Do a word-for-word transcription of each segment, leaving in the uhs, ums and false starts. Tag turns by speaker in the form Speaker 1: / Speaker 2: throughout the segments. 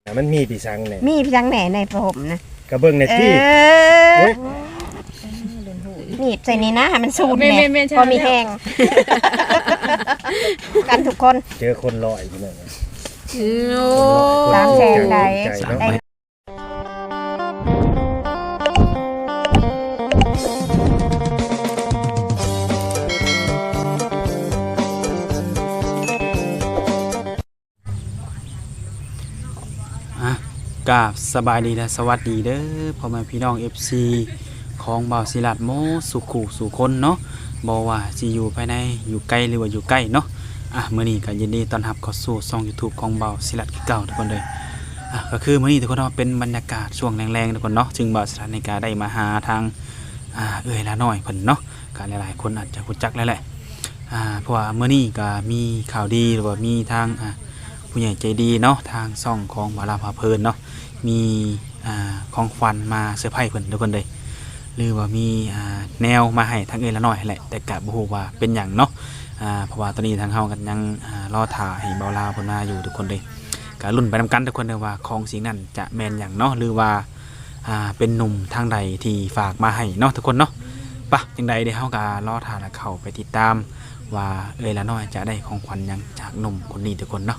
Speaker 1: มันมีพี่สังเนี่ย
Speaker 2: มีพี่สังแหน่ในผ้าห่มนะ
Speaker 1: กระเบื้องในที่
Speaker 2: นี่ใส่นี่นะให้มันสูดแหน่พอมีแห้งกันทุกคน
Speaker 1: เจอคนลอยอยู่เลย
Speaker 2: สามแสนได้ได้
Speaker 3: กราบสบายดีและสวัสดีเด้อพ่อแม่พี่น้อง เอฟ ซี ของบ่าวศิลัดโมสุขุสุคนเนาะบ่ว่าสิอยู่ภายในอยู่ไกลหรือว่าอยู่ใกล้เนาะอ่ะมื้อนี้ก็ยินดีต้อนรับเข้าสู่ช่อง YouTube ของบ่าวศิลัดคือเก่าทุกคนเลยอ่ะก็คือมื้อนี้ทุกคนเนาะเป็นบรรยากาศช่วงแรงๆทุกคนเนาะจึงบ่าวศิลัดในการได้มาหาทางอ่าเอื้อยละน้อยเพิ่นเนาะก็หลายๆคนอาจจะรู้จักแล้วแหละอ่าเพราะว่ามื้อนี้ก็มีข่าวดีหรือว่ามีทางอ่าผู้ใหญ่ใจดีเนาะทางช่องของบ่าวลาภาเพลินเนาะมีอ่าของขวัญมาเซอร์ไพรส์เพิ่นทุกคนเลยหรือว่ามีอ่าแนวมาให้ทางเอ้ยละน้อยแหละแต่กะบ่ฮู้ว่าเป็นหยังเนาะอ่าเพราะว่าตอนนี้ทางเฮากันยังอ่ารอถ่าให้เบาลาวเพิ่นมาอยู่ทุกคนเลยก็ลุ้นไปนำกันทุกคนเด้อว่าของสิ่งนั้นจะแม่นหยังเนาะหรือว่าอ่าเป็นหนุ่มทางใดที่ฝากมาให้เนาะทุกคนเนาะปะจังใดเดี๋ยวเฮาก็รอถ่าแล้วเข้าไปติดตามว่าเอ้ยละน้อยจะได้ของขวัญหยังจากหนุ่มคนนี้ทุกคนเนาะ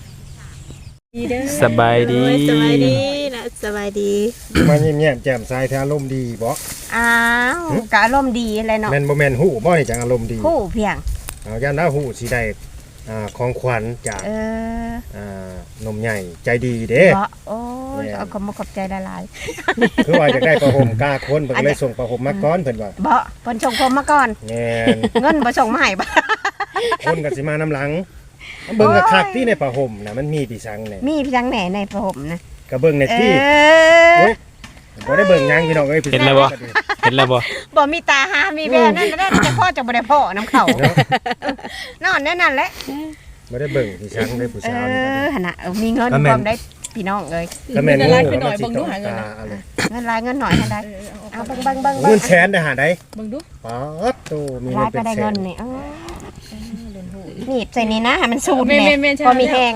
Speaker 3: สบายดี
Speaker 4: สบายดีนะสบายดี
Speaker 1: มาเงียบๆแจ่มใสแท้อารมณ์ดีบ่
Speaker 2: อ้าวก็อารมณ์ดีเลยเนาะ
Speaker 1: แม่นบ่แม่นฮู้บ่นี่จังอารมณ์ดี
Speaker 2: ฮู้เพียง
Speaker 1: เอาย่านดาฮู้สิได้อ่าของขวัญจาก
Speaker 2: เออ
Speaker 1: อ่านมใหญ่ใจดีเด้
Speaker 2: บ่โอ้ยเอาขอบคุณขอบใจหลาย
Speaker 1: ๆคือว่าจะได้ประหมกล้าคนเพิ่นเลยส่งประหมมาก่อนเพิ่นว่า
Speaker 2: บ่เพิ่นส่งผมมาก่อน
Speaker 1: แม่น
Speaker 2: เงินบ่ส่งมาให้บ่
Speaker 1: คนก็สิมานํหลังเบิ่งกะคักที่ในผ้าห่มน่ะมันมีพี่สังเนี่ย
Speaker 2: มีพี่สังแหน่ในผ้าห่มนะ
Speaker 1: กระเบิ่งในที่โอ๊ยบ่ได้เบิ่งยังพี่น้องเอ้ย
Speaker 3: เห็นแล้วบ่เห็นแล้วบ่
Speaker 2: บ่มีตาหามีแววนั่นนั่นแต่พ่อจะบ่ได้พ่อน้ำเขานอนแน่นั่นแหละ
Speaker 1: บ่ได้เบิ่งพี่สังได้ผู้สาวนี่
Speaker 2: เออหั่นน่ะมีเงินพร้อมได้พี่น้องเอ้ย
Speaker 1: ก็แม่นงู
Speaker 4: ไปหน่อยเบิ่งดูหาเงิน
Speaker 2: เงินลายเงินหน่อยหั่นได้เอาเบิ่งเบิ่งเบิ่ง
Speaker 1: เงินแสนได้หาได้
Speaker 4: เบิ่งดู
Speaker 1: ป๊าดโตมีเงินเป็นแสน
Speaker 2: นี่เออนี่ใส่นี่นะให้มันสูดแหน่พอมีแห้ง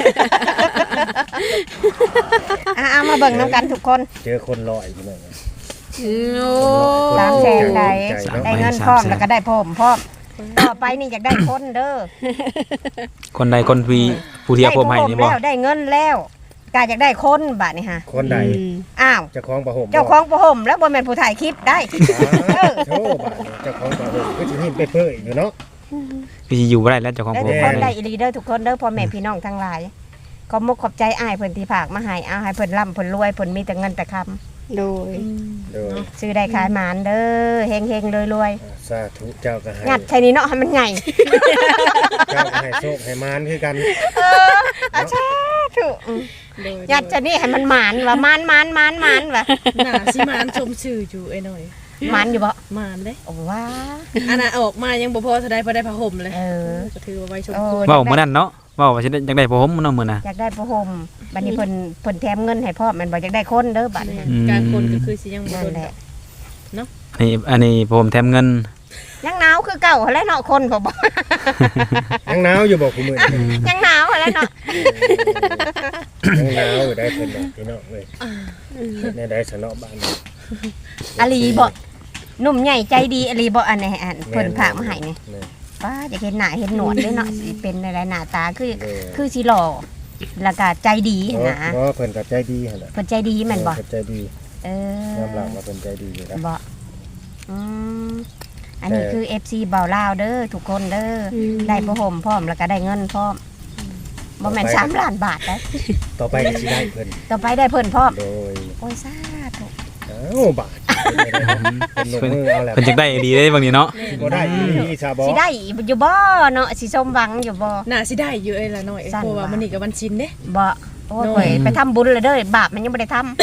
Speaker 2: เอามาเบิ่งน้ำกันทุกคน
Speaker 1: เจอคนลอยอยู่เลย
Speaker 2: สามแสนได้ได้เงินพร้อมแล้วก็ได้ผมพร้อมต่อไปนี่อยากได้คนเด้อ
Speaker 3: คนใดคนวีผู้เที่ยวผมให้นี่บ่
Speaker 2: ได้เงินแล้วกาอยากได้คนบาดนี่ฮะ
Speaker 1: คนใด
Speaker 2: อ้าว
Speaker 1: เจ้าของประหม
Speaker 2: เจ้าของประหมแล้วบ่แม่นผู้ถ่ายคลิปได้
Speaker 1: โธ่บาดเจ้าของประหมก็สิให้ไปเพ้ออยู่เนาะ
Speaker 3: พี่อยู่บ่ได้แล้วเจ้าของผม
Speaker 2: ได้อีหลีเด้อทุกคนเด้อพ่อแม่พี่น้องทั้งหลายขอบมุกขอบใจอ้ายเพิ่นที่ฝากมาให้เอาให้เพิ่นร่ำเพิ่นรวยเพิ่นมีแต่เงินแต่คำ
Speaker 4: โดย
Speaker 2: ซื้อได้ขายหมานเด้อเฮงๆรวย
Speaker 1: ๆสาธุเจ้าก็ให้
Speaker 2: งัดใช่นี่เนาะให้มันใหญ่
Speaker 1: เจ้าให้โชคให้มานคือกัน
Speaker 2: เอออาชาถูกงัดใช่นี่ให้มันหมานว่ามานมานมานมานว่ะ
Speaker 4: น่าสิมานชมชื่ออยู่ไอ้หน่อย
Speaker 2: มานอยู่บ่
Speaker 4: มานเด้
Speaker 2: โอ้ว้า
Speaker 4: อันน่ะออกมายังบ่พอเท่าใดพอได้ผ้าห่มเลย
Speaker 2: เออ
Speaker 4: ก็ถือว่าไว้ชมควร
Speaker 3: เว้ามื้อนั้นเนาะเว้าว่าสิได้อยากได้ผ้าห่มเนาะมื้อน่ะ
Speaker 2: อยากได้ผ้าห่มบัดนี้เพิ่นเพิ่นแถมเงินให้พร้อมมันบ่อยากได้คนเด้อบัดนี้
Speaker 4: การคนก็คือสิยังบ่โดน
Speaker 3: เนาะนี่อันนี้ผ้าห่มแถมเงิน
Speaker 2: ยังหนาวคือเก่าแล้วเนาะคนบ่บ่
Speaker 1: ยังหนาวอยู่บ่คุมื้อ
Speaker 2: ยังหนาวแล้วเนาะ
Speaker 1: ยังหนาวอยู่ได้เพิ่นบ่พี่น้องเอ้ยแน่ได้สนอบ้าน
Speaker 2: อลีบ่หนุ่มใหญ่ใจดีอลีบ่อันนี้อันเพิ่นฝากมาให้นี่ป้าอยากเห็นหน้าเห็นหนวดด้วยเนาะสิเป็นอะไรหน้าตาคือคือสิหล่อแล้วก็ใจดีนะ
Speaker 1: บ่เพิ่นก็ใจดีหั่นแหละ
Speaker 2: เพิ่นใจดีแม่นบ่
Speaker 1: ใจดี
Speaker 2: เออย
Speaker 1: อมรับว่าเพิ่นใจดีอยู่นะ
Speaker 2: บ่อืมอันนี้คือ เอฟ ซี บ่าวลาวเด้อทุกคนเด้อได้ผ้าห่มพร้อมแล้วก็ได้เงินพร้อมบ่แม่นสามล้านบาทได้
Speaker 1: ต่อไปก็สิได้เพิ่น
Speaker 2: ต่อไปได้เพิ่นพร้อม
Speaker 1: โดย
Speaker 2: โอ้ยสาธุ
Speaker 1: อ้าวบาทเพิ่นลงมือเอาแล้ว
Speaker 3: เพิ่นจักได้ดีได้บางนี้เนาะ
Speaker 1: บ่ได้อีซาบ่
Speaker 2: สิได้อยู่บ่เนาะสิสมหวังอยู่บ่
Speaker 4: น่าสิได้อยู่เอ้ยล่ะน้อยเพราะว่ามันนี่ก็วันชินเด้
Speaker 2: บ่โอ้ยไปทำบุญเลยเด้อบาปมันยังไม่ได้ทำ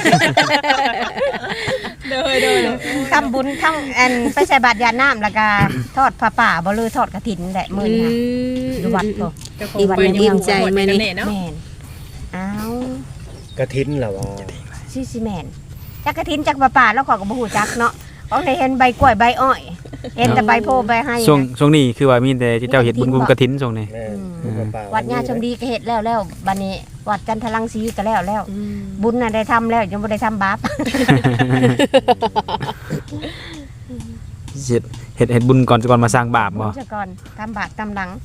Speaker 4: เด้อเด้อ
Speaker 2: ทำบุญทั้งอันไปใส่บาตรยาน้ำแล้วก็ทอดผ้าป่าบ่เลยทอดกฐินแหละมื้อนี้อยู่วัดบ่
Speaker 4: ดีวันนี้ดีใจแม่นี่
Speaker 2: เนาะแม่นอ้าว
Speaker 1: กฐินล่ะว่า
Speaker 2: สิสิแม่นจักกฐินจักผ้าป่าแล้วขอยก็บ่ฮู้จักเนาะเอาได้เห็นใบกล้วยใบอ้อยเห็นแต่ใบโพใบให้
Speaker 3: ช่วงช่วงนี้คือว่ามีแต่เจ้าเฮ็ดบุญกุมกฐินช่วงนี้
Speaker 1: แม่
Speaker 2: อืม
Speaker 1: ป่า
Speaker 2: วัดญาชมดีก็เฮ็ดแล้วแล้วบัดนี้วัดจันทรังสีก็แล้วแล้ว
Speaker 4: อืม
Speaker 2: บุญน่ะได้ทำแล้วยังบ่ได้ทำบาป
Speaker 3: เฮ็ดเฮ็ดเฮ็ดบุญก่อนก่อนมาสร้างบาปบ่
Speaker 2: บุญซะก่อนทำบาปทำหลัง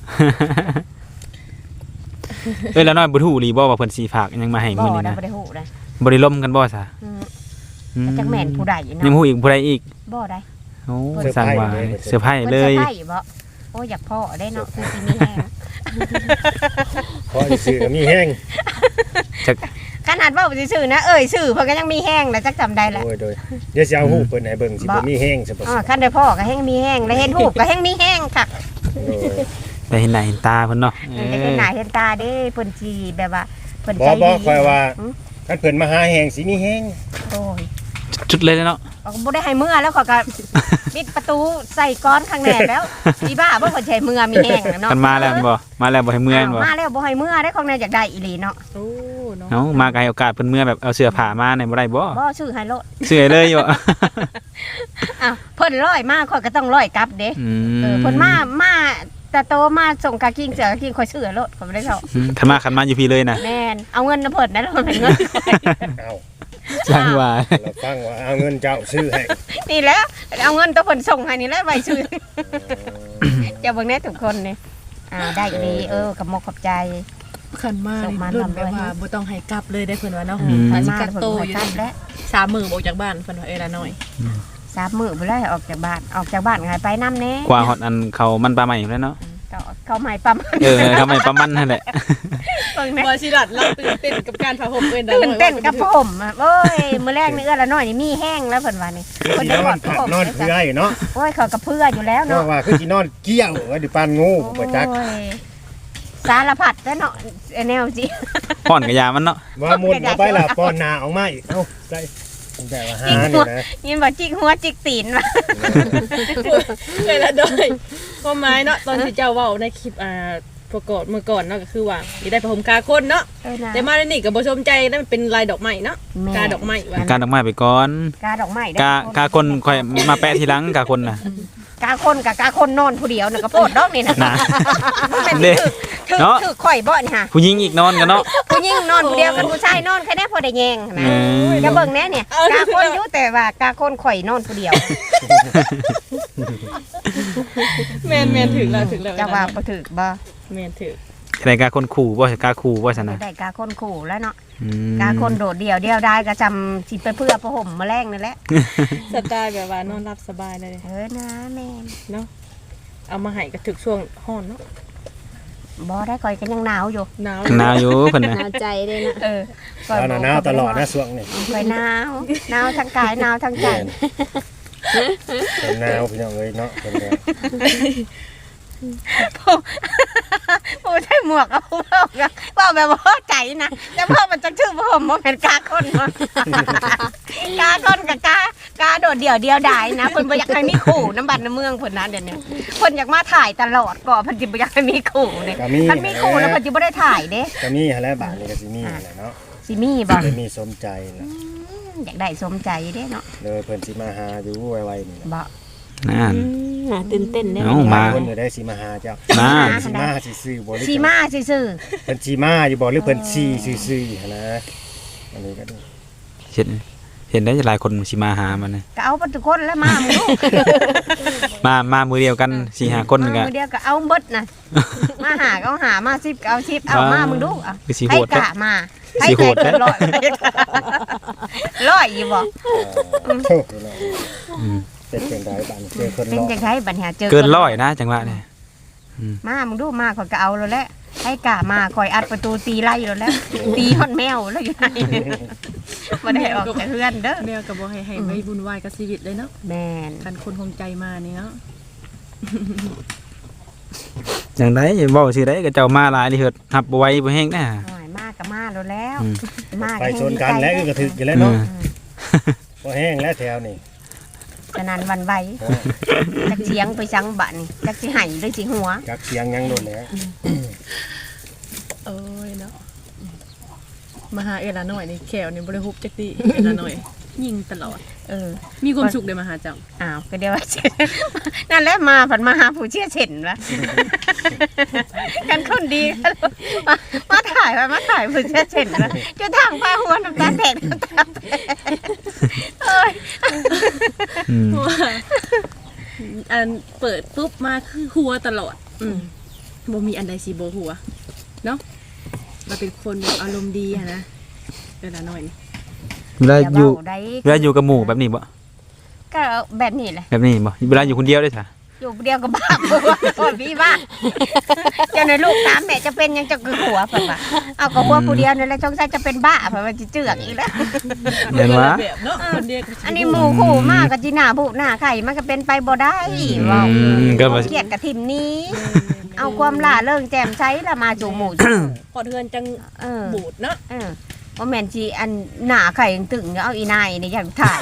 Speaker 3: เอ้ยแล้วน้อยบ่ฮู้อีหลีบ่ว่าเพิ่นสิฝากหยังมาให้
Speaker 2: บ่
Speaker 3: มื้อนี้
Speaker 2: ได้
Speaker 3: นะ
Speaker 2: บ่ได้ฮู้ได้
Speaker 3: บ่ได้ล่มกันบ่ซะ
Speaker 2: อืม
Speaker 3: อืม
Speaker 2: จักแม่นผู้ใด
Speaker 3: ยัง
Speaker 2: เนาะ
Speaker 3: ฮู้อีกผู้ใดอีก
Speaker 2: บ่ได้
Speaker 3: โอ้สร้างว่าเซอร์ไพรส์เล
Speaker 2: เพิ่น
Speaker 3: ย
Speaker 2: จะให้บ่โอ้อยากพ่อได้เนาะคือสิมีแฮง
Speaker 1: เพราะซื้อก็มีแห้ง
Speaker 2: ขนาดเว้าซื่อๆนะเอ้ยชื่อเพิ่นก็ยังมีแฮงแล้วจักจำได้แหละ
Speaker 1: โอ้ยโดยเดี๋ยวสิเอาฮู้เพิ่นให้เบิ่งสิบ่มีแห้งซะบ่
Speaker 2: อ๋อคันได้พ่อก็แฮงมีแฮงแล้วเห็นรูปก็แฮงมีแฮงค่ะ
Speaker 1: โอ้ย
Speaker 3: ได้เห็นหน้าเห็นตาเพิ่นเนาะเอ
Speaker 2: ได้เห็น
Speaker 3: อ
Speaker 2: หน้าเห็นตาเด้เพิ่นสิแบบว่าเพิ่น
Speaker 1: บ่
Speaker 2: ใจ
Speaker 1: บ่
Speaker 2: ดี
Speaker 1: คอยว่า
Speaker 2: อืม
Speaker 1: คันเพิ่นมาหาแห้งสิมีแห้ง
Speaker 2: โอ้ย
Speaker 3: จุดเลยเนาะ
Speaker 2: เขาก็บ่ได้ให้เมื่อแล้วเขาก็ ปิดประตูใส่ก้อนข้างแหนแล้วอีบ้าบ่เพิ่นใช้เมื่อมีแฮงเนาะ
Speaker 3: กันมาแล้วบ่มาแล้วบ่ให้เมื่อยบ่
Speaker 2: าวมาแล้วบ่ให้เมื่อได้ของแนอยากได้อีหลีเนาะ
Speaker 4: โอ้เนาะ
Speaker 3: เอ้ามาก็ให้โอกาสเพิ่นเมื่อแบบเอาเสื้อผ้ามาในบ่ได้บ่
Speaker 2: บ่ซื้อให้โลด
Speaker 3: เสื้อเลยบ่
Speaker 2: อ้าวเพิ่นร้อยมาข่อยก็ต้องร้อยกลับเด้
Speaker 3: อื
Speaker 2: เออ
Speaker 3: ม
Speaker 2: เพิ่นมามาแต่โตมาส่งกากิ้งเสือกากิ้งข่อยซื้อให้โลดข่อยบ่ได้เท่า
Speaker 3: อืมคันมาคันมาอยู่พี่เลยนะ
Speaker 2: แม่นเอาเงินนะเพิ่นนะแล้วเพิ่นให้เงินข่อย
Speaker 1: เอา
Speaker 3: สร้างว่า
Speaker 1: เราฟังว่าเอาเงินเจ้าซื้อให้
Speaker 2: นี่แหล้วเอาเงินตัวเพิ่นส่งให้นี่แหละไว้ซื้อ เจ้าเบิ่งแน่ทุกคนนี่อ่าได้อีหลีเออกับมกขอบใจ
Speaker 4: ขันมา
Speaker 2: ส่งมา
Speaker 4: รุ่น
Speaker 2: ทำด้
Speaker 4: แบ
Speaker 2: วย
Speaker 4: บว่าบ่ต้องให้กลับเลยได้เพิ่นว่าเนาะ
Speaker 3: อืม
Speaker 4: หาสิ
Speaker 2: มา
Speaker 4: กัก
Speaker 2: เพิ่น
Speaker 4: โต
Speaker 2: บ่
Speaker 4: อยู่
Speaker 2: ทันแล้ว
Speaker 4: สามมื้อออกจากบ้านเพิ่นว่าเอ้ยละน้อย
Speaker 2: สามมื้อบ่ได้ออกจากบ้านออกจากบ้านก็ให้ไปนำแน่
Speaker 3: กว่าฮอดอันเขามันปลาใหม่อยู่แล้วเนาะ
Speaker 2: ก็เขาใหม่ปั๊ม
Speaker 3: เออทำไมประมันนั่นแหละ
Speaker 2: เบิ่งแน่
Speaker 4: บ่สิรัดเราตื่นเต้นกับการพาผมเอ้ยละ
Speaker 2: ตื่น
Speaker 4: น้อย
Speaker 2: เต้นกับผมอะโอ้ยมื้อแรกนี่เอื้อละน้อยนี่มีแห้งแล้วเพิ่นว่านี่
Speaker 1: คือ
Speaker 2: เพิ่น
Speaker 1: สิ
Speaker 2: จะ
Speaker 1: น
Speaker 2: บ
Speaker 1: อ
Speaker 2: อน ก
Speaker 1: ผัก
Speaker 2: ผม
Speaker 1: นอนเพื่อยเนาะ
Speaker 2: โอ้ยเขาก็เพื่ออยู่แล้ว
Speaker 1: เพราะ
Speaker 2: เนาะ
Speaker 1: ว่าคือสินอนเกี้ยวไว้ดิปานงูบ่จัก
Speaker 2: โอ้ยสารพัดแล้วเนาะแนวสิ
Speaker 3: ป้อนกับยามันเนาะ
Speaker 1: ว่ามุนเอาไปล่ะป้อนหน้าออกมาอีกเอ้าใส่แต่ว่าหานี่นะ
Speaker 2: ยินว่าจิกหัวจิกตีนว่ะ
Speaker 4: เอ้ยละน้อยความหมายเนาะตอนที่เจ้าเว้าในคลิปอ่าประกอบเมื่อก่อนเนาะก็คือว่าสิได้พาผมกาคนเนาะ
Speaker 2: เออนะ
Speaker 4: แต่มาในนี่ก็บ่สมใจนั่นเป็นลายดอกไม้เนาะ
Speaker 2: แม่
Speaker 4: กาดอกไม้ว่า
Speaker 3: การดอกไม้ไปก่อน
Speaker 2: กาดอกไม้ได้
Speaker 3: กากาคนค่อยมาแปะทีหลังกาคนน่ะ
Speaker 2: กาคนกับกาคนนอนผู้เดียวน่ะก็โพดดอกนี่นะ
Speaker 3: นะ
Speaker 2: เป็น
Speaker 3: เด้
Speaker 2: ถือ
Speaker 3: เนาะ
Speaker 2: ถือข่อยบ่นี่ค่ะ
Speaker 3: ผู้หญิงอีกนอนกันเนาะ
Speaker 2: ผู้หญิงนอนผู้เดียวกับผู้ชายนอนแค่นี้พอได้แยงนะ
Speaker 3: เออ
Speaker 2: จะเบิ่งแน่เนี่ยกาคนอยู่แต่ว่ากาคนข่อยนอนผู้เดียว
Speaker 4: แม่นแม่นถึงแล้วถึงแล้ว
Speaker 2: จะว่าบ่ถึกบ่
Speaker 4: แม่นถึง
Speaker 3: อะไรกาคนขู่บ่ใช่กาขู่บ่ซั่นน่ะ
Speaker 2: ได้กาคนขู่แล้วเนาะ
Speaker 3: อืม
Speaker 2: กาคนโดดเดี่ยวเดียวได้ก็จำสิไปเพื่อประห่มมาแรงนั่นแหละ
Speaker 4: สไตล์แบบว่านอนรับสบายเลย
Speaker 2: เออนะแม่น
Speaker 4: เนาะเอามาให้ก็ถึกช่วงฮ้อนเนาะ
Speaker 2: บ่ได้ข่อยก็ยังหนาวอยู่
Speaker 4: หนาว
Speaker 3: ข้างหนาวอยู่เพิ่นน่ะ
Speaker 2: หนาวใจเลยนะเออ
Speaker 1: เอาหน้าหนาวตลอดนะช่วงนี้
Speaker 2: ข่อยหนาวหนาวทั้งกายหนาวทั้งใจ
Speaker 1: เป็นหนาวพี่น้องเอ้ยเนาะเป็นแนว
Speaker 2: โอ้ใช่หมวกเอาเว้าเว้าแบบว่าใจนะแต่พ่อมันจะชื่อผมบ่แม่นกาคนเนาะกาคนกับกากาโดดเดี่ยวเดียวดายนะเพิ่นบ่อยากให้มีคู่น้ำบัดน้ำเมืองเพิ่นนะเดี๋ยวนี้เพิ่นอยากมาถ่ายตลอดก็เพิ่นสิบ่อยากให้มีคู่นี่
Speaker 1: ก็มี
Speaker 2: คันมีคู่แล้วเพิ่นสิบ่ได้ถ่ายเด้
Speaker 1: ก็มีหั่นแหละบาดนี้ก็สิมีแหละเนาะ
Speaker 2: สิมีบ่
Speaker 1: ได้มีสมใจนะ
Speaker 2: อยากได้สมใจเด้เนาะ
Speaker 1: เลยเพิ่นสิมาหาอยู่ไวๆนี่แหละ
Speaker 2: บ่
Speaker 3: นั่น
Speaker 2: น่าตื่นเต้นเด้
Speaker 3: เอ้ามา
Speaker 1: คนอยู่ได้สิมาหาเจ้า
Speaker 3: นั่น
Speaker 1: สิมาสิซื้อบ่หรือ
Speaker 2: สีมาซื่อ
Speaker 1: เพิ่นสิมาอยู่บ่หรือเพิ่นสิซื้อๆหั่นนะอันนี้ก็ดู
Speaker 3: เห็นเห็นได้หลายคนสิมาหามันน่ะ
Speaker 2: ๆก็เอาไปทุกคนแล้วมามึงลูก
Speaker 3: มามามือเดียวกันสี่ห้าคน
Speaker 2: มา
Speaker 3: ก็
Speaker 2: มือเดียวก็เอาเบิดน่ะมาหาก็เอาหามาสิบก็เอาสิบเอามามึงดูเอา
Speaker 3: คือสิโห
Speaker 2: ให้
Speaker 3: ด
Speaker 2: กะมาให้
Speaker 3: สิโหด
Speaker 2: เกินร้อยร้อยอยู่บ่
Speaker 1: เออโทษพี่น้อง
Speaker 3: อืม
Speaker 1: เป็นจังไดบาดนี้เจอคน
Speaker 2: เป็น
Speaker 1: รอ
Speaker 2: จังไดบัดเนี้ยเจอ
Speaker 3: เกินร้อยนะจังหวะเนี่ย
Speaker 2: มามึงดูมาข่อยก็เอาแล้วแหละให้กะมาข่อยอัดประตูตีไล่แล้วแล้วตีฮอดแมวแล้วอยู่ไหนบ่ได้ออกจากเฮือนเด้อ
Speaker 4: แมวก็บ่ให้ให้ไว้วุ่นวายกับชีวิตเลยเนาะ
Speaker 2: แม่น
Speaker 4: คันคนคงใจมานี่เนาะ
Speaker 3: จังไดเว้าสิได้ก็เจ้ามาหลายนี่เฮ็ดหับบ่ไหวบ่แฮงนะ
Speaker 2: หน่อยมาก็มาแล้วแล้ว
Speaker 3: อืม
Speaker 2: มา
Speaker 1: ไป
Speaker 2: ก็
Speaker 1: ชน
Speaker 2: ให้
Speaker 1: กันแล้ว
Speaker 2: ดี
Speaker 1: ก็
Speaker 2: ใจ
Speaker 1: ถึกอยู่แล้วเนาะ
Speaker 3: อืม
Speaker 1: บ่แห้งแล้วแถวนี้
Speaker 2: ฉะนั้นวันไหวจักเสียงไปสังบัดนี่จักสิให้หรือสิหัว
Speaker 1: จักเสียงยังโดนแล้ว
Speaker 4: เอ้ยเนาะมาหาเอละน้อยนี่แขวนี่บ่ได้ฮุบจักติเอละน้อยยิงตลอด
Speaker 2: เออ
Speaker 4: มีความสุขได้มาหาเจ้า
Speaker 2: อ้าวก็เดี๋ยวว่า นั่นแหละมาผันมาหาผู้เชี่ยวเฉินวะ กันคนดีมามาถ่ายมามาถ่ายผู้เชี่ยวเฉินวะจะทางพาหัวน้ำตาแตกน้ำตาแตกเอ้ย
Speaker 3: อืม
Speaker 4: เพราะว่าอันเปิดปุ๊บมาคือหัวตลอด อืมบ่มีอันใดสิบ่หัวเนาะเราเป็นคนแบบอารมณ์ดีอะนะเวลาน้อยนี่
Speaker 3: เวลาอยู่
Speaker 2: เว้ได้
Speaker 3: เวลาอยู่กับหมู่แบบนี้บ่
Speaker 2: ก็แบบนี้แหละ
Speaker 3: แบบนี้บ่เวลาอยู่คนเดียวได้จ้ะ
Speaker 2: อยู่เดียวกับบ้าบัวก่อนพี่บ้าเจะในลูกตามแม่จะเป็นยังจะคือหัวเพิ่นว่าเอากับหัวผู้เดียวนี่แหละจงใจจะเป็นบ้าเพิ่นว่าสิเจือกอีกแล้ว
Speaker 3: เห็นว่า
Speaker 4: แบบเนาะคนเดียวก็สิ
Speaker 2: อันนี้หมู่คู่มากกับจีหน้าบุหน้าไข่มันก็เป็นไปบ่ได้เว้า
Speaker 3: อืมก็มา
Speaker 2: เกลียดกับทิมนี้ เอาความล่าเริงแจ่มใสละมาสู่หมู่จู่
Speaker 4: พอเทือนจัง
Speaker 2: เออ
Speaker 4: บูดเนาะ
Speaker 2: เออว่าแม่นจีอันหน้าไข่ยังตึงเอาอีนายนี่อย่างถ่าย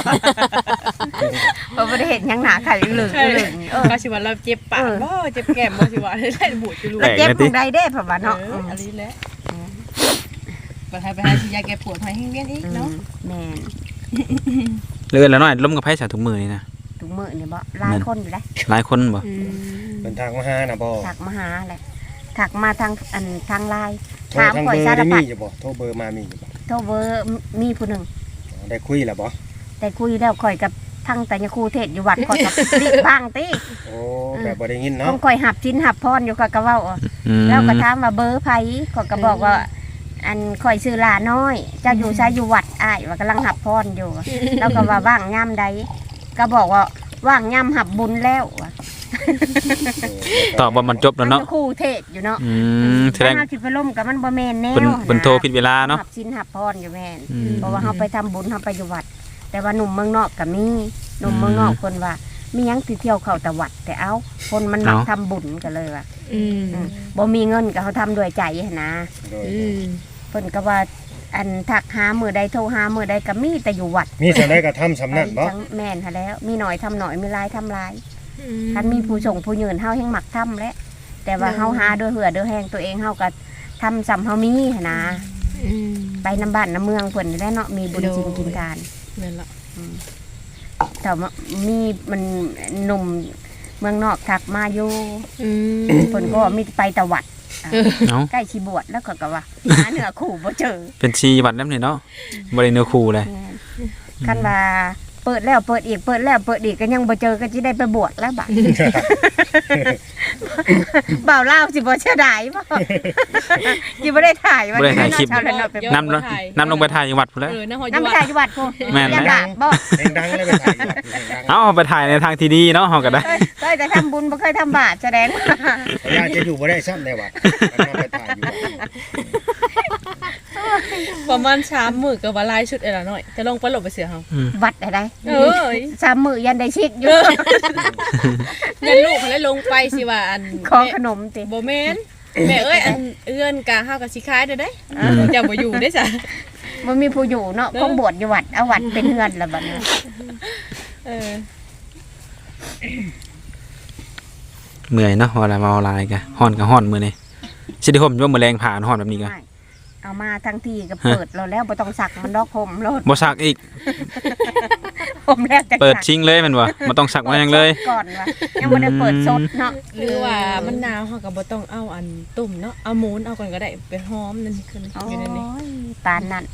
Speaker 2: เพราะบ่ได้เห็นหยังหน้าไข่เหลืองเหลืองเออ
Speaker 4: ก็สิว่าเราเจ็บปากบ่เจ็บแก้มบ่สิว่าได้บูดอยู่ลูก
Speaker 3: แปลก
Speaker 2: เจ็บ
Speaker 3: นะ
Speaker 2: ข
Speaker 3: ติ
Speaker 2: องใดเด้เพราะว่า
Speaker 4: เนาะ
Speaker 2: เนาะ
Speaker 4: อันนี้แหละไปหาไปหาสิยาแก้ปวดให้แห้งเวียนอีก
Speaker 2: อื
Speaker 4: เนาะ
Speaker 2: มแม่น
Speaker 3: เลือนแล้วน้อยล้มกับไผสาถุงมือนี่นะ
Speaker 2: ถุงมือนี่บ่หลายคนอยู่แล้ว
Speaker 3: หลายคนบ่
Speaker 4: อืม
Speaker 1: เป็นทางมาหานะบ่
Speaker 2: ถักมาหาแหละถักมาทางอันทางไลน์
Speaker 1: โทร
Speaker 2: ถาม
Speaker 1: ทาง
Speaker 2: ข่
Speaker 1: เบ
Speaker 2: อย
Speaker 1: อร์
Speaker 2: สาร
Speaker 1: ได้
Speaker 2: พั
Speaker 1: มี
Speaker 2: ด
Speaker 1: อยู่บ่โทรเบอร์มามีอยู่บ่
Speaker 2: โทรเบอร์มีผู้หนึ่ง
Speaker 1: ได้คุยแล้วบ่
Speaker 2: แต่คุยแล้วข่อยกับทางแต่ยครูเทศอยู่วัดข่อยกับ ติบ้างติ
Speaker 1: โอ้แบบบ่ได้ยิน
Speaker 2: ต้
Speaker 1: เนาะ
Speaker 2: องข่อยหับชิ้นหับพรอยู่ข่อยก็เว้าอ่ะ
Speaker 3: อืม
Speaker 2: แล้วก็ถามว่าเบอร์ไผข่อยก็บอกว่า อันข่อยชื่อลาน้อย เจ้าอยู่ใช้อยู่วัดอ้ายว่ากำลังหับพรอยู่ แล้วก็ว่าว่างย่ำใดก็บอกว่าว่างย่ำหับบุญแล้วว่ะ
Speaker 3: ตอบว่ามันจบแล้วเนาะ
Speaker 2: มัครูเทศอยู่เนาะ
Speaker 3: อืมแสดง
Speaker 2: ถ้าสิไปล่มกับมันบ่แม่นแนว
Speaker 3: เพิ่นเพิ่นโทรผิดเวลาเนาะ
Speaker 2: หับชิ้นหับพรอยู่แม่น
Speaker 3: อืม
Speaker 2: เพราะว่าเฮาไปทำบุญเฮาไปอยู่วัด แต่ว่าหนุ่มเมืองนอกก็มีหนุ่มเมืองนอกคนว่า มีหยังสิเที่ยวเข้าแต่วัด แต่เอ้าคนมันมัก
Speaker 3: เอ้า
Speaker 2: ทำบุญกันเลยว่ะ
Speaker 4: อืม
Speaker 2: อืมบ่มีเงินก็เขาทำด้วยใจหั้นนะ
Speaker 1: โดย
Speaker 4: อืม
Speaker 2: เพิ่นก็ว่าอันทักหามือใดโทรหามือใดก็มีแต่อยู่วัด
Speaker 1: มีสันได้ก็ทำสำนั่นบ่
Speaker 2: ทั้งแม่นหาแล้ว มีหน่อยทำหน่อยมีหลายทำหลายคันมีผู้ส่งผู้ยืนเฮาแห่งมักทำแหละแต่ว่าเฮาหาด้วยเหือด้วยแหงตัวเองเฮาก็ทำสำเฮามีหั้นนะ
Speaker 4: อืม
Speaker 2: ไปน้ำบ้านน้ำเมืองเพิ่นนี่แหละเนาะมีบุญจริงกินทาน
Speaker 4: นั่นล่ะ
Speaker 2: แต่ว่ามีมันหนุ่มเมืองนอกทักมาอยู่
Speaker 4: อืม
Speaker 2: เพิ่นก็ว่ามีไปตะวัด
Speaker 3: เอ้า
Speaker 2: ใกล้ชีบวชแล้วก็ก็ว่าหาเนื้อคู่บ่เจอ
Speaker 3: เป็นชีวัดแล้วนี่เนาะบ่ได้เนื้อคู่เลย
Speaker 2: คันว่าเปิดแล้วเปิดอีกเปิดแล้วเปิดอีกก็ยังบ่เจอก็สิได้ไปบวชแล้วบัด บ่าวลาวสิบ่เสียดายบ่ สิบ่ได้ถ่ายว่า
Speaker 3: บ่ได้ถ่ายคลิป
Speaker 2: เนาะชาวละเนาะไป
Speaker 3: นำลงนำลงไปถ่ายอยู่วัดพุ่นแหล้ว
Speaker 4: เออนะฮอด
Speaker 2: นำไป
Speaker 4: ว่า
Speaker 2: ถ่ายอยู่วัดพุ่น
Speaker 3: แม่น
Speaker 2: ยั
Speaker 3: นะ
Speaker 2: งด่าบ่
Speaker 1: เพลงดังเลยไปถ่ายอยู่เพลงดัง
Speaker 3: เอาไปถ่ายในทางที่ดีเนาะเฮาก็ได้
Speaker 2: เคยเคยแต่ทำบุญบ่เคยทำบาปแสดงว่า
Speaker 1: เขาอยากจะอยู่บ่ได้ซ้ำในวัดมันมาไปถ่ายอยู่วัด
Speaker 4: ประมาณสามมื้อก็ว่าหลายชุดเอ้ล่ะน้อยจะลงไปหลบไปเสียเฮา
Speaker 2: วัดอะไร
Speaker 4: เอ้ย
Speaker 2: สามมื้อยันได้ชิกอยู่
Speaker 4: เงินลูกเขาเลยลงไปสิว่าอัน
Speaker 2: ขอขนมติ
Speaker 4: บ่แม่นแม่เอ้ยอันเอื้อนกะเฮาก็สิขายเด้อเด้เจ้าบ่อยู่ได้ซะ
Speaker 2: บ่มีผู้อยู่เนาะคงบวชอยู่วัดเอาวัดเป็นเฮือนละบัดนี้
Speaker 4: เออ
Speaker 3: เมื่อยเนาะว่าแล้วมาออนไลน์กะฮ้อนก็ฮ้อนมื้อนี้สิได้ห่มอยู่ว่ามื้อแรงผ่านฮ้อนแบบนี้กะ
Speaker 2: ไม่เอามาทั้งที่ก็เปิดเราแล้วบ่ต้องสักมันดอกห่มโลด
Speaker 3: บ่ซักอีก
Speaker 2: ห่มแล้วจะ
Speaker 3: เปิดชิงเลยแม่นบ่บ่ต้องซักมาหยังเลย
Speaker 2: ก่อนว่ายังบ่ได้เปิดสดเนาะ
Speaker 4: หรือว่ามันหนาวเฮาก็บ่ต้องเอาอันตุ่มเนาะเอาหมูนเอาก่อนก็ได้ไปหอมนั่นคือ
Speaker 2: โอ้
Speaker 4: อยู่ในนี้
Speaker 2: ยปานนั้น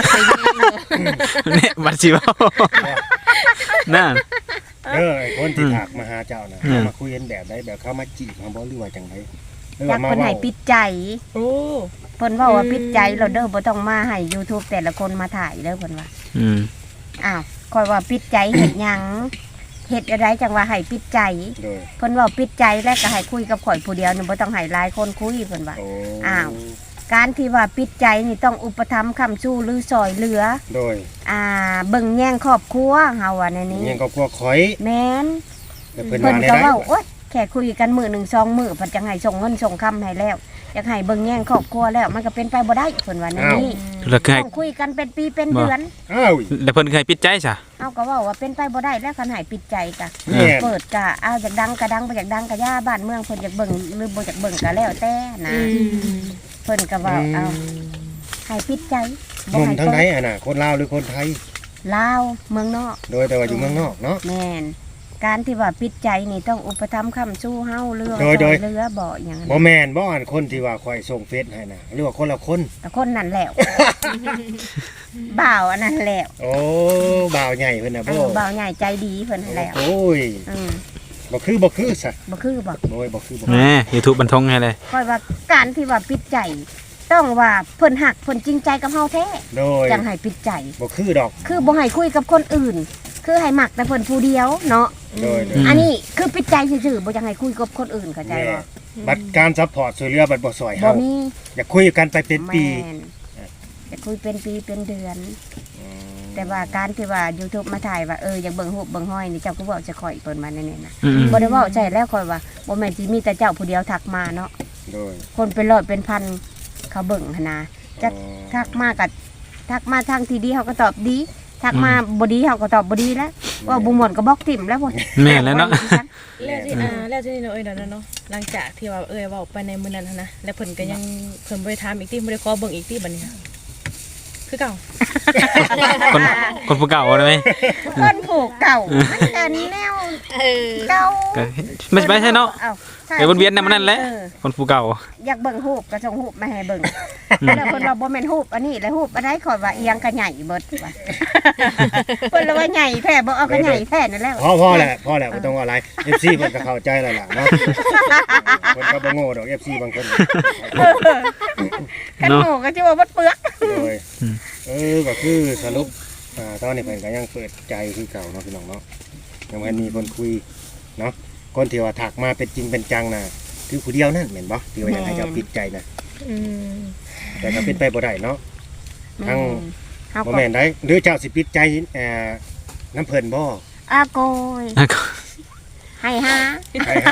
Speaker 3: เนี่ยบัดสิเว้านั่น
Speaker 1: เออไอ้คนที่ถักมาหาเจ้าน่ะ
Speaker 3: อืม
Speaker 1: มาคุยกันแบบได้แบบเข้ามาจีบมาบ่หรือว่าจังไดหรือ
Speaker 2: อยา
Speaker 1: ว่าก มา
Speaker 2: เพิ่น
Speaker 1: เว้า
Speaker 2: ให้ปิดใจ
Speaker 4: โอ้
Speaker 2: เพิ่นเว้าว่า
Speaker 4: อืม
Speaker 2: ปิดใจเราเด้อบ่ต้องมาให้ YouTube แต่ละคนมาถ่ายเด้อเพิ่นว่า
Speaker 3: อืม
Speaker 2: อ้าวคอยว่าปิดใจเฮ็ดหยังเฮ็ดอะไรจังว่าให้ปิดใจ
Speaker 1: โดย
Speaker 2: เพิ่นเว้าปิดใจแล้วก็ให้คุยกับข่อยผู้เดียวนี่บ่ต้องให้หลายคนคุยเพิ่นว่า
Speaker 1: โอ้
Speaker 2: อ้าว การที่ว่าปิดใจนี่ต้องอุปถัมภ์ค้ำชู้หรือซอยเหลือ
Speaker 1: โดย
Speaker 2: อ่าเบิ่งแย่งครอบครัวเฮาว่าในนี้
Speaker 1: ยังก็พวกข่อย
Speaker 2: แม่น
Speaker 1: แต่เพิ่น
Speaker 2: เพิ่น
Speaker 1: ว่าได้
Speaker 2: ก็
Speaker 1: ได้
Speaker 2: เว้าโอ๊ยแค่คุยกันมื้อหนึ่งสองมื้อเพิ่นจังให้ส่งเงินส่งคำให้แล้วอยากให้เบิ่งแย่งครอบครัวแล้วมันก็เป็นไปบ่ได้เพิ่นว่าในนี้
Speaker 3: แล้วคือให้
Speaker 2: ต้องคุยกันเป็นปีเป็น
Speaker 3: บ่
Speaker 2: เดือน
Speaker 1: อ้าว
Speaker 3: แล้วเพิ่นเคยปิดใจซะ
Speaker 2: เฮาก็เว้าว่าเป็นไปบ่ได้แล้วคันให้ปิดใจกะ
Speaker 1: แม่น
Speaker 2: เปิดกะเอาจากดังกะดังไปจากดังกะย่าบ้านเมืองเพิ่นอยากเบิ่งหรือบ่อยากเบิ่งกะแล้วแต่นะ
Speaker 4: อืม
Speaker 2: เพิ่นก็ว่าเอาให้ปิดใจ
Speaker 1: หนุ่ม
Speaker 2: ให้
Speaker 1: ทั้ง
Speaker 2: เปิ
Speaker 1: ไหน
Speaker 2: ด
Speaker 1: อ่ะน่ะคนลาวหรือคนไทย
Speaker 2: ลาวเมืองนอก
Speaker 1: โดยแต่ว่าอยู่เมืองนอกเนาะ
Speaker 2: แม่นการที่ว่าปิดใจนี่ต้องอุปถัมภ์ค้ำสู้เฮาเรือ
Speaker 1: โดยโดย
Speaker 2: เรือบ่อย่างนั้น
Speaker 1: บ่แม่นบ่อันคนที่ว่าข่อยส่งเฟซให้น่ะหรือว่าคนละคน
Speaker 2: แต่คนนั้นแหล้ว บ่าวอันนั้นแหล้ว
Speaker 1: โอ้บ่าวใหญ่เพิ่นน่ะ
Speaker 2: เอ
Speaker 1: บ่
Speaker 2: อบ่าวใหญ่ใจดีเพิ่นนั่นแหล้ว
Speaker 1: โอ้ย
Speaker 2: อืม
Speaker 1: บ่คือบ่คือซะ
Speaker 2: บ่คือบ่
Speaker 1: โอ้ยบ่คือบ่
Speaker 3: แหม YouTube บันทงให้เลย
Speaker 2: ค่อยว่าการที่ว่าปิดใจ ต้องว่าเพิ่นหักเพิ่นจริงใจกับเฮาแท้
Speaker 1: โดย
Speaker 2: จังให้ปิดใจ
Speaker 1: บ่คือดอก
Speaker 2: คือบ่ให้คุยกับคนอื่น คือให้มักแต่เพิ่นผู้เดียวเนาะ
Speaker 1: โดยโดย
Speaker 3: ม
Speaker 2: อันนี้คือปิดใจซื่อๆบ่จังให้คุยกับคนอื่นเข้าใจ
Speaker 1: แม่
Speaker 2: บ่
Speaker 1: บัดการซัพพอร์ตช่วยเหลือบัดบ่ซอย
Speaker 2: บ่
Speaker 1: เฮา
Speaker 2: มี
Speaker 1: อยากคุยกันไปเป็นปี
Speaker 2: แม่นจะคุยเป็นปีเป็นเดือน แต่ว่าการที่ว่า YouTube มาถ่ายว่าเอออยากเบิ่งรูปเบิ่งห้อยนี่เจ้าก็เว้าจะข่อยเพิ่นมาแน่ๆนะ
Speaker 3: อืม
Speaker 2: บ่ได้เว้าใจแล้วข่อยว่าบ่แม่นสิมีแต่เจ้าผู้เดียวทักมาเนาะ
Speaker 1: โดย
Speaker 2: คนเป็นร้อยเป็นพันเขาเบิ่งหันนะจัก
Speaker 1: อ๋อ
Speaker 2: ทักมาก็ทักมาทางที่ดีเขาก็ตอบดี ทักมาบ่ดีเขาก็ตอบบ่ดีแล้วว่าบ่ม่วนก็บล็อกทิ่มแล้วพุ่น
Speaker 3: แม่นแล้วเนาะ
Speaker 4: แล้วที่อ่าแล้วที่นี่เนาะเอ้ยเนาะเนาะหลังจากที่ว่าเอ้ยเว้าไปในมื้อนั้นหั้นนะแล้วเพิ่นก็ยังเพิ่นบ่ได้ถามอีกติบ่ได้ขอเบิ่งอีกติบัดนี้ค่ะคือเก่า
Speaker 3: คนคนผู้เก่าได้ไหม
Speaker 2: คนผูกเก่ามันกันแนวเก่า
Speaker 3: ก็ไม่ไม่ใช่เนาะ
Speaker 2: อ้า
Speaker 3: ไอ้วนเวียนน่ะมันนั่นแหละ
Speaker 2: เออ
Speaker 3: คนผู้เก่า
Speaker 2: อยากเบิ่งรูปก็ส่งรูปมาให้เบิ่งแล้วเพิ่นว่าบ่แม่นรูปอันนี้แล้วรูปอันใดข่อยว่าเอียงก็ใหญ่เบิดว่าเพิ่นเลยว่าใหญ่แท้บ่เอาก็ใหญ่แท้นั่นแหละ
Speaker 1: พอพอแหละพอแหละบ่ต้องว่าอะไร เอฟ ซี เพิ่นก็เข้าใจแล้วล่ะเนาะเพิ่นก็บ่โง่ดอก เอฟ ซี บางคน
Speaker 2: กันโง่ก็สิว่าบ่เปลือก
Speaker 1: โดยเออก็คือสรุปอ่าตอนนี้เพิ่นก็ยังเปิดใจคือเก่าเนาะพี่น้องเนาะยังบ่มีคนคุยเนาะคนที่ว่าทักมาเป็นจริงเป็นจังน่ะคือผู้เดียวนั่นแม่นบ่ที่ว่าอยากให้เจ้าปิดใจน่ะ
Speaker 4: อืม
Speaker 1: แต่ก็เป็นไปบ่ได้เนาะ ทั้ง
Speaker 2: เฮา
Speaker 1: บ่
Speaker 2: ก็
Speaker 1: แม่นได้หรือเจ้าสิปิดใจเอ่อน้ำเพิ่นบ่
Speaker 2: อาโกย
Speaker 3: แล้วก็
Speaker 2: ให้หา
Speaker 1: ให้หา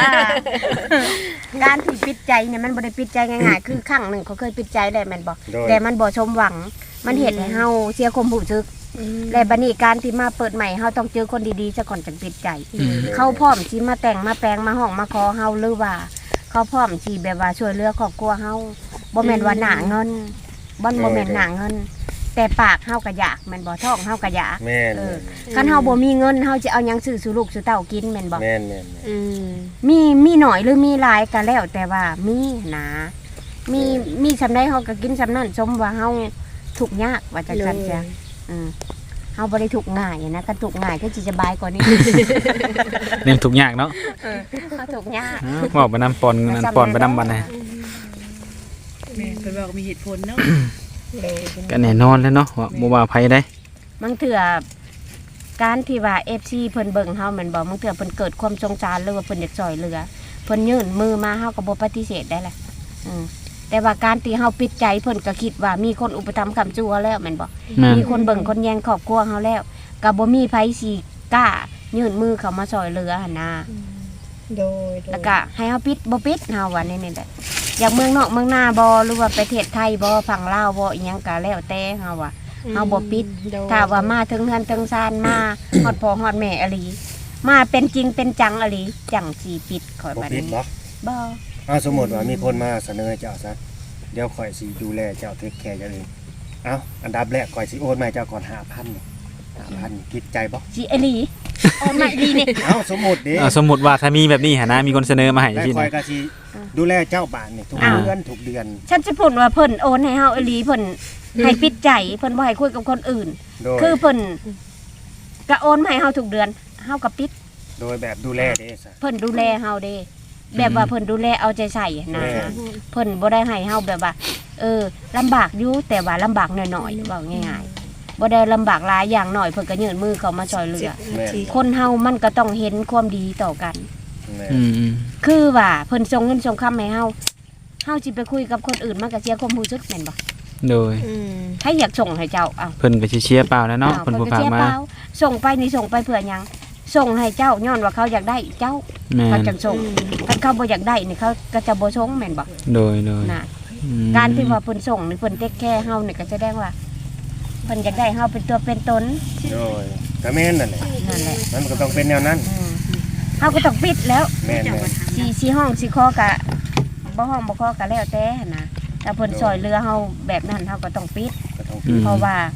Speaker 2: การที่ปิดใจเนี่ยมันบ่ได้ปิดใจง่ายๆ คือครั้งหนึ่งเขาเคยปิดใจแล้วแม่นบ่
Speaker 1: โดย
Speaker 2: แต่มันบ่สมหวัง มันเฮ็ดให้เฮาเสียความรู้สึก และบัดนี้การที่มาเปิดใหม่เฮาต้องเจอคนดีๆซะก่อนจังปิดใจ เขาพร้อมสิมาแต่งมาแปลงมาห้องมาขอเฮาหรือว่า เขาพร้อมสิแบบว่าช่วยเหลือครอบครัวเฮาบ่แม่นว่าหน้าเงินบ่บ่แม่นหน้าเงิน แต่ปากเฮาก็อยากแม่นบ่ท้องเฮาก็อยาก
Speaker 1: แม่น
Speaker 2: เออ คันเฮาบ่มีเงินเฮาสิเอาหยังซื้อสู่ลูกสู่เต้ากินแม่นบ่
Speaker 1: แม่นแม่นแม่น
Speaker 4: อืม
Speaker 2: มีมีหน่อยหรือมีหลายก็แล้วแต่ว่ามีหนามีมีสำใดเฮาก็กินสำนั้นสมว่าเฮาทุกข์ยากว่าจังซั่นจ้ะอืมเฮาบ่ได้ทุกข์ง่ายนะคันทุกข์ง่ายก็สิสบายกว่านี้
Speaker 3: เรื่องทุกข์ยากเนาะ
Speaker 2: เฮาทุกข์ยาก
Speaker 3: อ้าวบอกไปนำปอนนั่นปอนไปนำบันนะ
Speaker 4: แม่เพิ่นบอกมีเหตุผลเนาะ
Speaker 3: ก็แน่นอนแล้วเนาะว่าบ่ว่าไผได้
Speaker 2: บางเทื่อการที่ว่า เอฟ ซี เพิ่นเบิ่งเฮาแม่นบ่บางเทื่อเพิ่นเกิดความสงสารหรือว่าเพิ่นอยากช่วยเหลือเพิ่นยื่นมือมาเฮาก็บ่ปฏิเสธได้แหละอืมแต่ว่าการที่เฮาปิดใจเพิ่นก็คิดว่ามีคนอุปถัมภ์ค้ำจูเฮาแล้วแม่นบ่
Speaker 3: แม่น
Speaker 2: มีคนเบิ่งคนแยงครอบครัวเฮาแล้วก็บ่มีไผสิกล้ายื่นมือเข้ามาช่วยเหลือหั่นนะ
Speaker 4: โดย
Speaker 2: แล้วก็ให้เฮาปิดบ่ปิดเฮาว่านี่นี่แหละอยากเมืองนอกเมืองนาบ่หรือว่าประเทศไทยบ่ฝั่งลาวบ่อีหยังก็แล้วแต่เฮาว่า เฮาบ่ปิด ถ้าว่ามาถึงเฮือนถึงซานมา ฮอดพ่อฮอดแม่อหลีมาเป็นจริงเป็นจังอหลีจังสิปิดข่อย
Speaker 1: บ่
Speaker 2: บัด
Speaker 1: ปิด
Speaker 2: นี้
Speaker 1: บ่
Speaker 2: บ่
Speaker 1: อ้าวสมมุติว่ามีคนมาเสนอให้เจ้าซะเดี๋ยวข่อยสิดูแลเจ้าเทคแคร์เจ้าเองเอ้าอันดับแรกข่อยสิโอนมาให้เจ้าก่อน ห้าพัน ห้าพันคิดใจบ่
Speaker 2: สิอหลีโอนมาอหลีนี่
Speaker 1: เอ้าสมมุติเด้
Speaker 3: เอาสมมุติว่าถ้ามีแบบนี้หั่นนะมีคนเสนอมาให้
Speaker 1: แล้ว
Speaker 3: สิ
Speaker 1: ข่อย
Speaker 3: นะ
Speaker 1: ก็สิดูแลเจ้าบ้านนี่ทุก
Speaker 3: อ้าว
Speaker 1: เดือนทุกเดือน
Speaker 2: ฉันสิพูดว่าเพิ่นโอนให้เฮาอหลีเพิ่นให้ปิดใจเพิ่นบ่ให้คุยกับคนอื่น
Speaker 1: โดย
Speaker 2: คือเพิ่นก็โอนมาให้เฮาทุกเดือนเฮาก็ปิด
Speaker 1: โดยแบบดูแลเด้ซะ
Speaker 2: เพิ่นดูแลเฮาเด้แบบว่าเพิ่นดูแลเอาใจใส่นะ
Speaker 1: แม่
Speaker 2: เพิ่นบ่ได้ให้เฮาแบบว่า เออลำบากอยู่แต่ว่าลำบากน้อยๆเว้าง่ายๆบ่ได้ลำบากหลายอย่างน้อยเพิ่นก็ยื่นมือเข้ามาช่วยเหลือ
Speaker 1: แม่น
Speaker 2: คนเฮามันก็ต้องเห็นความดีต่อกัน
Speaker 1: แม่น
Speaker 3: อืม
Speaker 2: คือว่าเพิ่นส่งเงินส่งคำให้เฮาเฮาสิไปคุยกับคนอื่นมันก็เสียความรู้สึกแม่นบ่
Speaker 3: โดย
Speaker 4: อืม
Speaker 2: ถ้าอยากส่งให้เจ้าอ้าว
Speaker 3: เพิ่นก็สิเชียร์เปล่าแล้วเนาะเพิ่นบ่
Speaker 2: ก็
Speaker 3: ฝาก
Speaker 2: เสีย
Speaker 3: มา
Speaker 2: เปล่าส่งไปนี่ส่งไปเพื่อหยังส่งให้เจ้าย้อนว่าเขาอยากได้เจ้า
Speaker 3: แม่
Speaker 2: เขา
Speaker 3: น
Speaker 2: จังส่งถ้าเขาบ่อยากได้นี่เขาก็จะบ่ส่งแม่นบ่
Speaker 3: โดยโดย
Speaker 2: น่ะ
Speaker 3: อืม
Speaker 2: การที่ว่าเพิ่นส่งนี่เพิ่นเทคแคร์เฮานี่ก็แสดงว่าเพิ่นอยากได้เฮาเป็นตัวเป็นตน
Speaker 1: โดยก็แม่นนั่นแหละ
Speaker 2: นั่นแหละ
Speaker 1: มันก็ต้องเป็นแนวนั้น
Speaker 2: อืมเฮาก็ต้องปิดแล้ว
Speaker 1: แม่นแม่น
Speaker 2: สิสิห้องสิคอกะบ่ห้องบ่คอกะแล้วแต่หั่นนะถ้าเพิ่นซอยเรือเฮาแบบนั้นเฮาก็ต้องปิด
Speaker 1: ก็ต้อง
Speaker 3: อืม
Speaker 2: เพราะว่า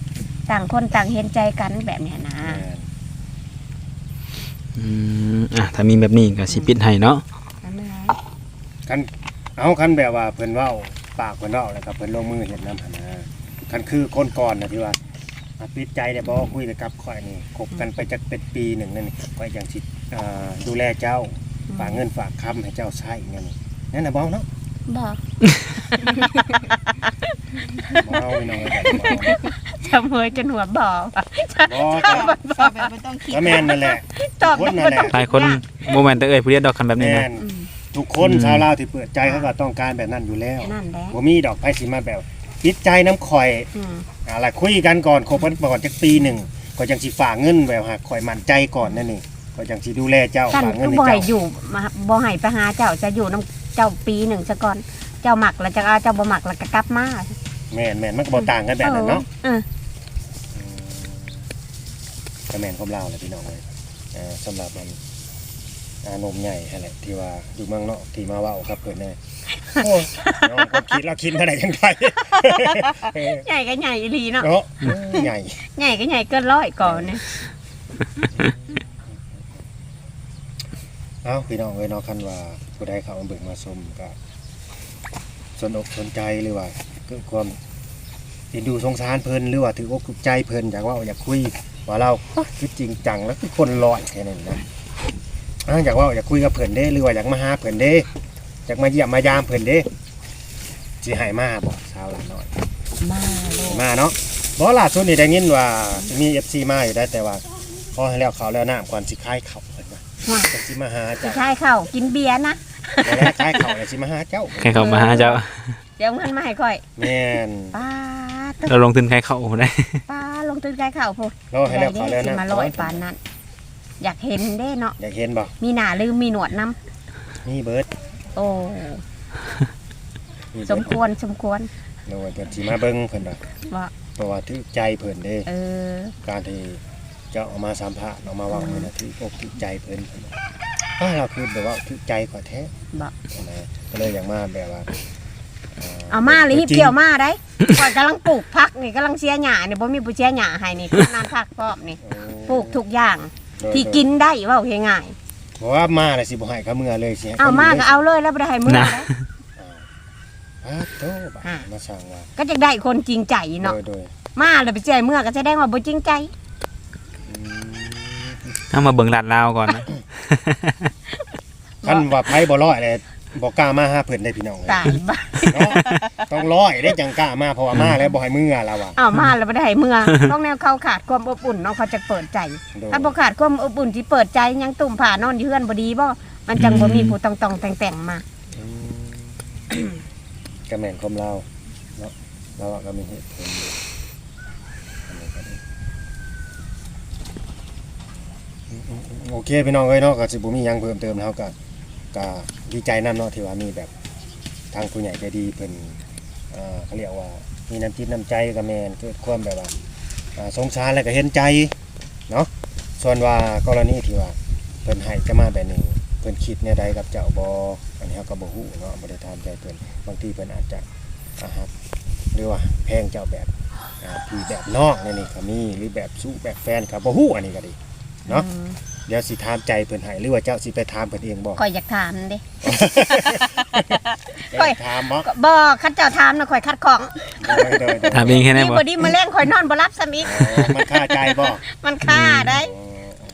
Speaker 2: ต่างคนต่างเห็นใจกันแบบเนี้ยนะ
Speaker 1: แม่น
Speaker 3: อืมอ่ะถ้ามีแบบนี้ก็สิปิดให้เนาะ
Speaker 2: นั่นแหละ
Speaker 1: คันเอาคันแบบว่าเพิ่นเว้าปากเพิ่นเว้าแล้วก็เพิ่นลงมือเฮ็ดนำหั่นนะคันคือคนก่อนน่ะที่ว่าอ่ะปิดใจได้บ่คุยแต่กับข่อยนี่คบกันไปจักเป็นปีหนึ่งนั่นนี่ข่อยยังสิอ่าดูแลเจ้าฝากเงินฝากคำให้เจ้าใช้นั่นนี่นั่นน่ะบ่เนาะ
Speaker 2: บอก
Speaker 1: บ่เอาพี่น้องเอ้ยแบบบ่
Speaker 2: จะเมยจนหัวบอก
Speaker 1: เอาบ่ก็
Speaker 5: สอบแบบบ่ต้องคิด
Speaker 1: ก็แม่นนั่นแหละ
Speaker 2: ตอบ
Speaker 1: คนนั่นแหละ
Speaker 3: หลายคนบ่แม่นแต่เอ้ยผู้เดียวดอกคันแบบนี้
Speaker 1: แม่
Speaker 3: นะ
Speaker 1: นทุกคนชาวลาวที่เปิดใจเขาก็ต้องการแบบนั้นอยู่แล้ว
Speaker 2: นั่นแหละ
Speaker 1: บ่มีดอกไผสิมาแบบปิดใจน้ำข่อย
Speaker 2: อืม
Speaker 1: อะไรคุยกันก่อนคบกันก่อนจักปีหนึ่งก็จังสิฝากเงินแบบหากข่อยมั่นใจก่อนนั่นนี่ก็จังสิดูแลเจ้า
Speaker 2: ท่าน
Speaker 1: ฝากเงิ
Speaker 2: ก็
Speaker 1: นให้
Speaker 2: บ่ให้
Speaker 1: เจ้า
Speaker 2: อยู่มาบ่ให้ไปหาเจ้าจะอยู่น้ำเจ้าปีหนึ่งซะก่อนเจ้าหมักแล้วจะเอาเจ้าบ่หมักแล้วก็กลับมา
Speaker 1: แม่นแม่นมันก็บ่ต่างกันแบบนั้นเนาะ
Speaker 2: เออ
Speaker 1: ก็แม่นความลาวแหละพี่น้องเอ้ยเอ่อสำหรับมันอานมใหญ่นั่นแหละที่ว่าอยู่เมืองนอกที่มาเว้าครับเพิ่นแน่โอ้ยน้องก็คิดแล้วคิดมาได้จังได
Speaker 2: ใหญ่ก็ใหญ่อีหลีเนาะ
Speaker 1: เนาะใหญ่
Speaker 2: ใหญ่ก็ใหญ่เกินร้อยก่อนเนี่ย
Speaker 1: เอ้าพี่น้องเอ้ยเนาะคันว่าผู้ใดเข้ามาเบิ่งมาชมก็สนอกสนใจหรือว่าเกิดความเอ็นดูสงสารเพิ่นหรือว่าถืออกถูกใจเพิ่นอยากเว่าอยากคุยว่าเราคือจริงจังแล้วคือคนลอยแค่นั้นนะอ่าอยากเว่าอยากคุยกับเพิ่นเด้หรือว่าอยากมาหาเพิ่นเด้อยากมาเยี่ยมมายามเพิ่นเด้สิให้มาบ่สาวหลานน้อย
Speaker 2: มาเลย
Speaker 1: มาเนาะบ่ล่าสุดนี่ได้ยินว่ามี เอฟ ซี มาอยู่ได้แต่ว่าพอให้แล้วเขาวแล้วน้ำก่อนสิคายเขาเพิ่นว่า
Speaker 2: ว่า
Speaker 1: จังสิมาหา
Speaker 2: สิ
Speaker 1: เจ้า
Speaker 2: ใช่เข้ากินเบียร์นะ
Speaker 1: บ่แล้วคายเขาแล้วสิมาหาเจ้า
Speaker 3: ใครเข้ามาหาเจ้า
Speaker 2: เดี๋ยวมันมาให้ค่อย
Speaker 1: แม่น
Speaker 2: ป้าต
Speaker 3: เราลงทุนใครเข้าได้
Speaker 2: ป้าลงตื่นใกล้เข้าพูด
Speaker 1: รอให้แล้วเขาวแล้ว
Speaker 2: สิ
Speaker 1: น้ำ
Speaker 2: มาลอยปานนั้น อยากเห็นเด้เนาะ
Speaker 1: อยากเห็นบ่
Speaker 2: มีหน้าลืมมีหนวดน้
Speaker 1: มีเบิด
Speaker 2: ำโอ้
Speaker 1: มี
Speaker 2: ส
Speaker 1: เบิ
Speaker 2: ม
Speaker 1: ด
Speaker 2: ควรสมควร
Speaker 1: โดยเพิ่นสิมาเบิ่งเพิ่นว่า
Speaker 2: ว่า
Speaker 1: เพราะว่าถือใจเพิ่นเด้
Speaker 2: เออ
Speaker 1: การที่เจ้าเออกมาสัมภาษณ์ออกมาเว่าเนี่ยนะถืออกถือใจเพิ่นเพิ่นว่าอ้าวเราคือแบบว่าถือใจกว่าแท้
Speaker 2: บอก
Speaker 1: นะก็เลยอย่างมาแบบว่า
Speaker 2: เอามาเลยฮิบเกี่ยวมาได้ก่อนกำลังปลูกพักนี่กำลังเสียหญ้านี่บ่มีผู้เสียหญ้าให้นี่กำนันพักพร้อมนี่ปลูกทุกอย่าง
Speaker 1: โดย
Speaker 2: ที่กินได้เว่าง่าย
Speaker 1: เพราะว่ามาน่ะสิบ่ให้เขาเมื่อเลยสิให้
Speaker 2: ๆเอามาก็เอาเลยแล้วบ่ได้ให้มือ
Speaker 3: นะ
Speaker 2: ได้
Speaker 1: อ้าวโตบะ
Speaker 2: อ่า
Speaker 1: มาสั่งว่า
Speaker 2: ก็จะได้คนจริงใจเนาะ
Speaker 1: โดยโดย
Speaker 2: มาแล้วไปเจอเมื่อก็แสดงว่าบ่จริงใจ
Speaker 1: อืม
Speaker 3: เอามาเบิ่งลาดลาวก่อนนะ
Speaker 1: คันว่าไผบ่ร้อยเลยบ่กล้ามาหาเพิ่นได้พี่น้องเลย
Speaker 2: ตายบ้า
Speaker 1: เนาะต้องร้อยได้จังกล้ามาเพราะว่ามาแล้วบ่ให้เมื่อแล้วว่ะ
Speaker 2: เอามาแล้วบ่ได้ให้เมื่อต้องแนวเขาขาดความอบอุ่นเนาะเขาจะเปิดใจ
Speaker 1: โดย
Speaker 2: ถ้าบ่ขาดความอบอุ่นที่เปิดใจยังตุ่มผ่านอนอยู่เฮือนบ่ดีบ่มันจังบ่มีผู้ตองๆแต่งๆมา
Speaker 1: อืมก็แม่นความเราเนาะเราอะก็มีเหตุผลอยู่อันนี้ก็ดี โอเคพี่น้องเอ้ยเนาะก็สิบ่มีหยังเพิ่มเติมแล้วก็ก็ดีใจนํเนาะที่ว่ามีแบบทางผู้ใหญ่ใจดีเพิ่นเอ่อเขาเรียกว่ามีน้ำจิตน้ำใจกับแม่นเกิดความแบบว่าอ่าสงสารแล้วก็เห็นใจเนาะส่วนว่ากรณีที่ว่าเพิ่นให้จะมาแบบนี้เพิ่นคิดแนวใดกับเจ้าบ่อันนี้เฮาก็บ่ฮู้เนาะบ่ได้ถามใจเพิ่นบางทีเพิ่นอาจจะอ่าฮักหรือว่าแพงเจ้าแบบอ่าพี่แบบน้องนี่นี่ก็มีหรือแบบสู้แบบแฟนก็บ่ฮู้อันนี้ก็ดีเนาะ เดี๋ยวสิถามใจเพิ่นให้หรือว่าเจ้าสิไปถามเพิ่นเองบ่
Speaker 2: ข่อยอยากถามเด้
Speaker 1: ไปถามบ่
Speaker 2: ก็บ่คัดเจ้าถามน่ะข่อยคัดของ
Speaker 1: โดยโดยโดย
Speaker 3: ถามเองแค่ไหน
Speaker 2: นี่
Speaker 3: บ่
Speaker 2: บ่ดีมาแรงข่อยนอนบ่รับซ้ำอีก
Speaker 1: อ๋อมันค่าใจบ่
Speaker 2: มันค่าได้
Speaker 1: อ๋อ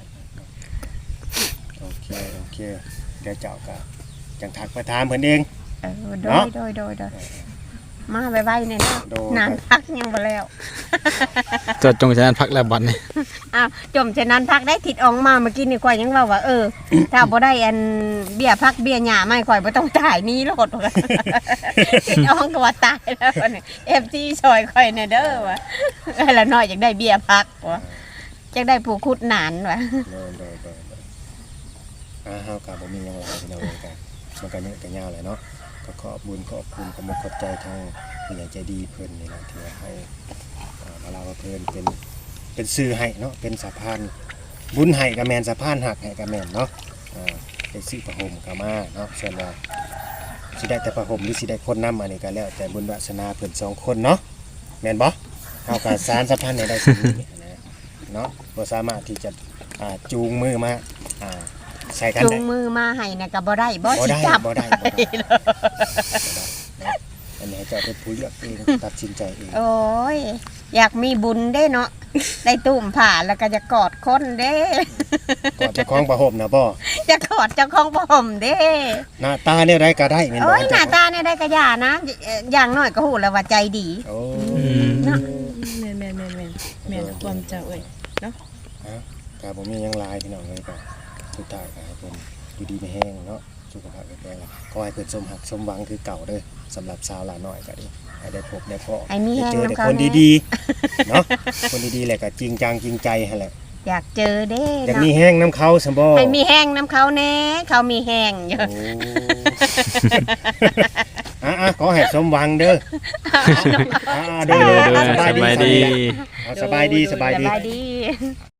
Speaker 1: โอเคโอเคเดี๋ยวเจ้าก็จังทักไปถามเพิ่นเอง
Speaker 2: เออโด
Speaker 1: เนาะ
Speaker 2: ยโดยโดยโดยมาไวๆเนี่ยนะ
Speaker 1: โดย
Speaker 2: นานพักยังบ่แล้ว
Speaker 3: จดจงชนะพักแล้วบัดนี้
Speaker 2: อ้าวจมฉะนั้นพักได้ทิดออกมาเมื่อกี้นี่ข่อยยังว่าว่าเออ ถ้าบ่ได้อันเบี้ยพักเบี้ยหญ้าไม่ข่อยบ่ต้องจ่ายหนี้โลดว่า ทิดออกก็ว่าตายแล้วว่านี่ เอฟ ซี ซอยข่อยแน่เด้อว่าเออละน้อยอยากได้เบี้ยพักว่าอยากได้ผู้คุดหนานว่า
Speaker 1: โดยโดยโดยโดยอ่าเฮาก็บ่มีหยังหลายพี่น้องเอ้ยก็มันก็เยอะก็ยาวแหละเนาะก็ขอบคุญขอบคุณขอบคุณขอบใจทางผู้ใหญ่ใจดีเพิ่นนี่แหละที่ว่าให้อ่ามาลาว่าเพิ่นเป็นเป็นสื่อให้เนาะเป็นสะพานบุญให้ก็แม่นสะพานหักให้ก็แม่นเนาะอ่าได้ซื้อผ้าห่มก็มาเนาะส่วนว่าสิได้แต่ผ้าห่มหรือสิได้คนนำอันนี้ก็แล้วแต่บุญวาสนาเพิ่นสองคนเนาะแม่นบ่เอากับสารสัมพันธ์ในได้สิ่งนี้นะเนาะบ่สามารถที่จะอ่าจูงมือมาอ่าใส่กัน
Speaker 2: จู
Speaker 1: ได้
Speaker 2: งมือมาให้น่ะก็บ่ได้บ่
Speaker 1: บ่
Speaker 2: สิ
Speaker 1: ได้
Speaker 2: จับ
Speaker 1: บ่ได้บ่ได้บ่ได้เนาะอันนี้ให้เจ้าเป็นผู้เลือกเองตัดสินใจเอง
Speaker 2: โอ้ยอยากมีบุญเด้เนาะได้ตุ้มผ่าแล้วก็จะกอดคนเด้
Speaker 1: ก่อนจะคล้องประหมนะบ่
Speaker 2: จะกอดเจ้าของบ่ห่มเด้
Speaker 1: หน้าตาเนี่ยได้ก็ได้แม่นบ่
Speaker 2: โอ้ยหน้าตาเนี่ยได้กระยานะเอ่ออย่างน้อยก็ฮู้แล้วว่าใจดี
Speaker 1: โอ้
Speaker 2: เนาะ
Speaker 4: แม่นแม่นแม่นแม่นแม่นความเจ้าเอ้ย
Speaker 1: ก็บ่มีหยังหลายพี่น้องเลยก็สุดท้ายก็ให้เพิ่นอยู่ดีมีแห้งเนาะสุขภาพแข็งแรงขอให้เพิ่นสมหักสมหวังคือเก่าเด้อสำหรับสาวหลาน้อยก็ดีให้ได้พบได้พอ
Speaker 2: ไอ้มี
Speaker 1: ได้
Speaker 2: แห้ง
Speaker 1: เจอแต่
Speaker 2: น้ำเขา
Speaker 1: คน
Speaker 2: แน่
Speaker 1: ดีๆ เนาะ คนดีๆแหละก็จริงจังจริงใจหั่นแหละ
Speaker 2: อยากเจอเด้
Speaker 1: อยาก
Speaker 2: เนาะ
Speaker 1: มีแห้งน้ำเขาซั่นบ่
Speaker 2: ให้มีแห้งน้ำเขาแน่เขามีแห้งอยู่
Speaker 1: โอ้ อ่ะๆขอให้สมหวังเด้ออ่าๆ
Speaker 3: เด้
Speaker 1: เด้
Speaker 3: อ
Speaker 1: อ
Speaker 3: เด้อ
Speaker 1: สบาย
Speaker 3: สบาย
Speaker 1: ดี
Speaker 3: ดี
Speaker 1: เอาสบายดีสบาย
Speaker 2: ส
Speaker 1: ดี
Speaker 2: บายดี